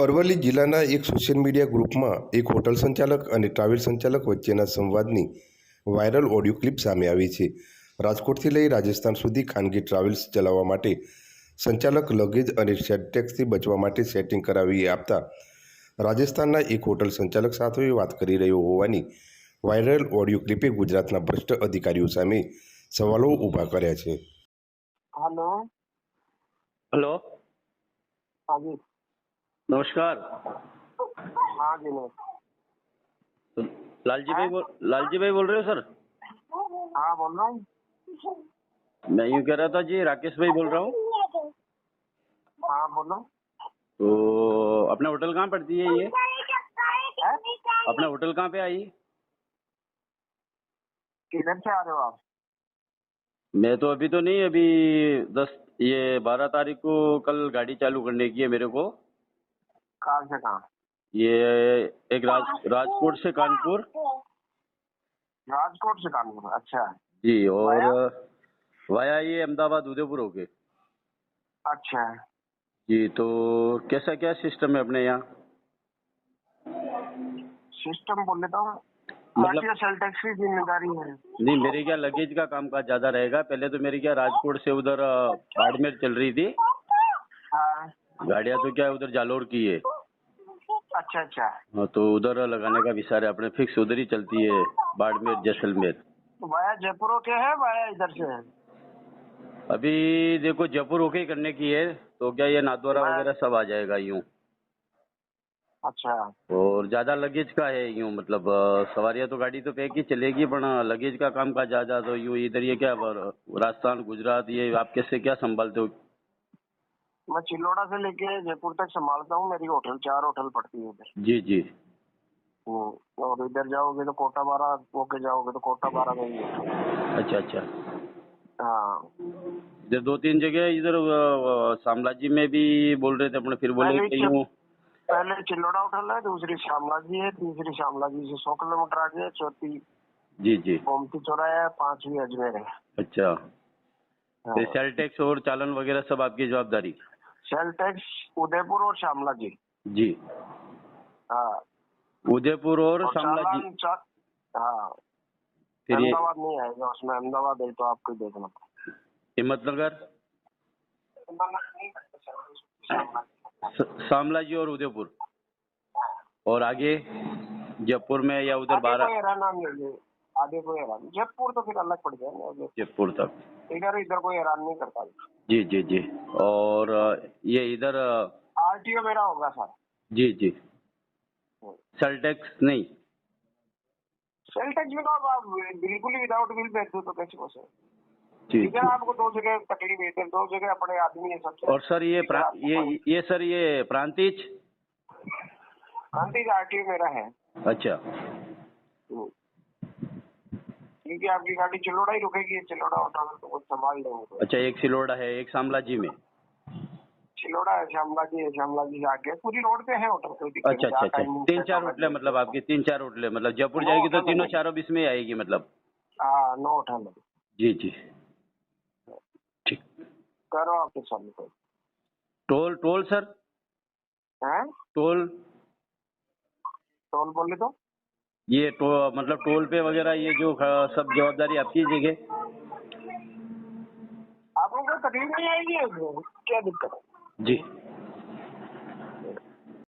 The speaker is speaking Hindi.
અરવલ્લી જિલ્લાના એક સોશિયલ મીડિયા ગ્રુપમાં એક હોટલ સંચાલક અને ટ્રાવેલ સંચાલક વચ્ચેના સંવાદની વાયરલ ઓડિયો ક્લિપ સામે આવી છે। રાજકોટથી લઈ રાજસ્થાન સુધી ખાનગી ટ્રાવેલ્સ ચલાવવા માટે સંચાલક લગેજ અને ટેક્સથી બચવા માટે સેટિંગ કરાવી આપતા રાજસ્થાનના એક હોટલ સંચાલક સાથે વાત કરી રહ્યો હોવાની વાયરલ ઓડિયો ક્લિપે ગુજરાતના ભ્રષ્ટ અધિકારીઓ સામે સવાલો ઊભા કર્યા છે। हेलो। हेलो, हाँ जी। नमस्कार। हाँ जी नमस्कार। लालजी भाई बोल रहे हो सर? हाँ बोल रहा हूँ। मैं यूँ कह रहा था जी, राकेश भाई बोल रहा हूँ। हाँ बोलो। तो अपना होटल कहाँ पड़ती है ये? अपना होटल कहाँ पे आई? किधर से आ रहे हो आप? मैं तो अभी तो नहीं, अभी 12 तारीख को कल गाड़ी चालू करने की है मेरे को। कहाँ से कहाँ? ये एक राजकोट से कानपुर। राजकोट से कानपुर, अच्छा जी, और वाया ये अहमदाबाद उदयपुर होके। अच्छा। जी, तो कैसा क्या सिस्टम है अपने यहाँ? सिस्टम बोले तो मतलब सेल टैक्स की जिम्मेदारी है। नहीं, मेरे क्या लगेज का काम काज ज्यादा रहेगा। पहले तो मेरी क्या राजकोट से उधर बाड़मेर चल रही थी हाँ। गाड़ियाँ, तो क्या उधर जालोर की है। अच्छा अच्छा। हाँ, तो उधर लगाने का विचार है अपने, फिक्स उधर ही चलती है, बाड़मेर जैसलमेर। तो वाया जयपुर के है, वाया इधर से है? अभी देखो जयपुर होके ही करने की है, तो क्या ये नाथद्वारा वगैरह सब आ जाएगा यूं। अच्छा। और ज्यादा लगेज का है यूं, मतलब सवारियां तो गाड़ी तो पैक ही चलेगी, पर लगेज का काम का ज्यादा, तो यूं इधर ये क्या राजस्थान गुजरात ये आप कैसे क्या संभालते हो? मैं चिल्लोड़ा से लेके जयपुर तक संभालता हूँ। मेरी होटल 4 होटल पड़ती है उधर। जी जी। और इधर जाओगे तो कोटा 12 होके जाओगे तो कोटा 12 में ही है। अच्छा अच्छा। हाँ, इधर 2-3 जगह इधर शामलाजी में भी बोल रहे थे अपने, फिर बोले कि यूं। पहले चिल्लोड़ा होटल है, दूसरी श्यामला जी है, तीसरी श्यामला जी से 100 किलोमीटर आगे है, चौथी जी जी गोमती चौराहा है, 5वीं अजमेर है। अच्छा। हाँ। फिर सेल टैक्स और चालन वगैरह सब आपकी जवाबदारी? सेल टैक्स उदयपुर और श्यामला जी। जी हाँ, उदयपुर और शामला जी। हाँ, फिर ये अहमदाबाद नहीं आएगा उसमें। अहमदाबाद है तो आपको ही देखना। हिम्मतनगर, शामला जी और उदयपुर, और आगे जयपुर में या उधर 12? आगे कोई हैरान नहीं। जयपुर तो फिर अलग पड़ जाएगा। जयपुर तक इधर कोई हैरान नहीं करता। जी जी जी। और ये इधर आरटीओ मेरा होगा सर। जी जी। सेल टैक्स नहीं? सेल टैक्स में तो आप बिल्कुल ही विदाउट बिल भेज दो तो कैसे हो सर? जी ठीक है, आपको 2 जगह तकलीफ है, 2 जगह अपने आदमी है सबसे। और सर ये सर ये प्रांतिज आरटीओ मेरा है। अच्छा। क्योंकि आपकी गाड़ी चिल्लोड़ा ही रुकेगी, चिल्लोड़ा होटल तो कुछ संभाल लेंगे। अच्छा, एक सिलोड़ा है, एक शामला जी में। चिल्लोड़ा है, श्यामला जी है, श्यामला जी से आगे पूरी रोड पे है होटल। कोई दिक्कत अच्छा अच्छा अच्छा। 3-4 होटलें मतलब आपकी, 3-4 होटलें, मतलब जयपुर जाएगी तो तीनों चारों बीच में आएगी मतलब? हाँ, 9 होटल है। जी जी ठीक। करो आपके सामने। Toll sir? हैं? टोल बोले तो ये मतलब टोल पे वगैरह ये जो सब जवाबदारी आपकी जगह? आपको कोई तकलीफ नहीं आएगी, क्या दिक्कत है? जी।